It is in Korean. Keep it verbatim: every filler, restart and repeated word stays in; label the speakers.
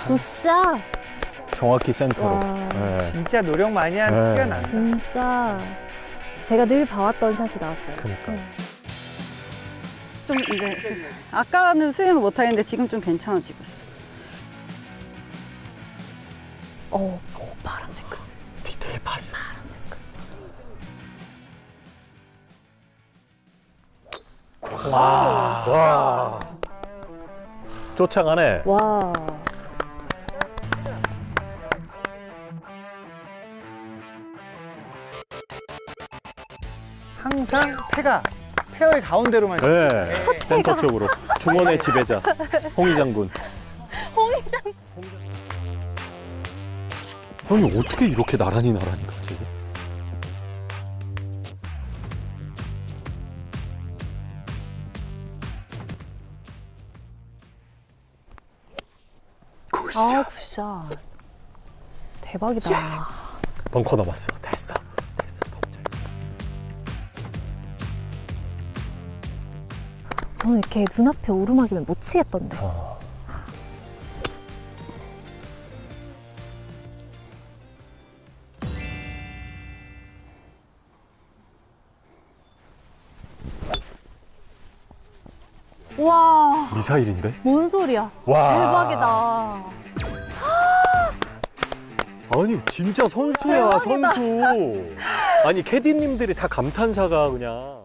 Speaker 1: 굿샷.
Speaker 2: 정확히 센터로.
Speaker 1: 와.
Speaker 2: 네.
Speaker 3: 진짜 노력 많이 한
Speaker 2: 네.
Speaker 3: 티가 나네.
Speaker 1: 진짜 제가 늘 봐왔던 샷이 나왔어요.
Speaker 2: 그러니까.
Speaker 1: 응.
Speaker 4: 좀 이제 아까는 스윙을 못 하겠는데 지금 좀 괜찮아지고 있어.
Speaker 1: 어, 어 파란 색깔.
Speaker 2: 디테일 봤어.
Speaker 1: 파란 색깔.
Speaker 2: 와. 와. 쫓아가네.
Speaker 1: 와.
Speaker 3: 항상 태가 페어의 가운데로만.
Speaker 2: 네. 센터 쪽으로. 중원의 지배자. 홍희 장군.
Speaker 1: 홍희장.
Speaker 2: 아니 어떻게 이렇게 나란히 나란히 가지?
Speaker 1: 아, 굿샷. 대박이다.
Speaker 2: 벙커 넘었어. 됐어. 됐어. 너무 잘.
Speaker 1: 저는 이렇게 눈앞에 오르막이면 못 치겠던데.
Speaker 2: 어.
Speaker 1: 와,
Speaker 2: 미사일인데?
Speaker 1: 뭔 소리야.
Speaker 2: 와.
Speaker 1: 대박이다.
Speaker 2: 아니 진짜 선수야
Speaker 1: 대박이다.
Speaker 2: 선수. 아니 캐디님들이 다 감탄사가 그냥.